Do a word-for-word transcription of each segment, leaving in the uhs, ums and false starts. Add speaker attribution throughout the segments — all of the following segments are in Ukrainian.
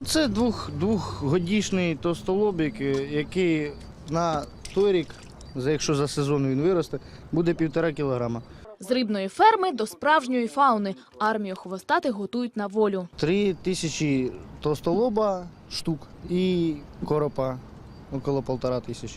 Speaker 1: Це двох, двохгодічний товстолобик, який на той рік, якщо за сезон він виросте, буде півтора кілограма.
Speaker 2: З рибної ферми до справжньої фауни. Армію хвостатих готують на волю.
Speaker 1: Три тисячі товстолоба штук і коропа около півтора тисячі.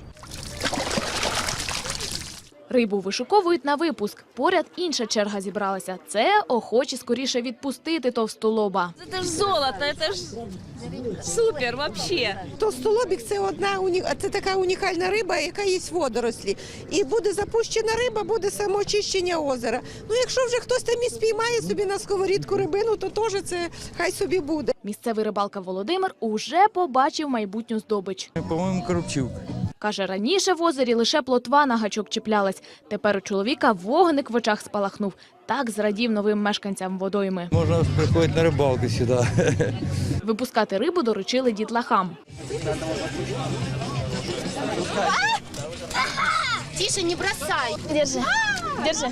Speaker 2: Рибу вишуковують на випуск. Поряд інша черга зібралася. Це охочі скоріше відпустити товстолоба.
Speaker 3: Це ж золото, це ж супер взагалі.
Speaker 4: Товстолобик – це одна це така унікальна риба, яка їсть водорослі. І буде запущена риба, буде самоочищення озера. Ну, якщо вже хтось там і спіймає собі на сковорідку рибину, то теж це хай собі буде.
Speaker 2: Місцевий рибалка Володимир уже побачив майбутню здобич.
Speaker 5: По-моєму, коробчук.
Speaker 2: Каже, раніше в озері лише плотва на гачок чіплялась. Тепер у чоловіка вогник в очах спалахнув. Так зрадів новим мешканцям водойми.
Speaker 5: Можна приходити на рибалку сюди.
Speaker 2: Випускати рибу доручили дітлахам.
Speaker 6: Тише, не бросай.
Speaker 2: Держи, держи.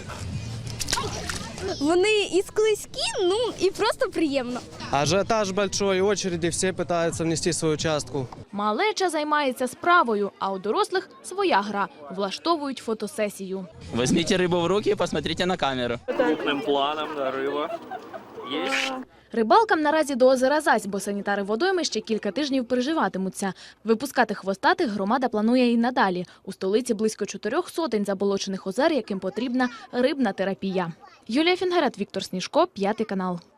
Speaker 6: Вони і склизькі, ну і просто приємно.
Speaker 7: Ажиотаж большой, очереди, всі пытаются внести свою частку.
Speaker 2: Малеча займається справою, а у дорослих своя гра. Влаштовують фотосесію.
Speaker 8: Возьмите рыбу в руки и посмотрите на камеру.
Speaker 9: Крупним планом на рыба. Есть.
Speaker 2: Рибалкам наразі до озера зась, бо санітари водойми ще кілька тижнів переживатимуться. Випускати хвостатих громада планує і надалі. У столиці близько чотирьох сотень заболочених озер, яким потрібна рибна терапія. Юлія Фінгерет, Віктор Сніжко, П'ятий канал.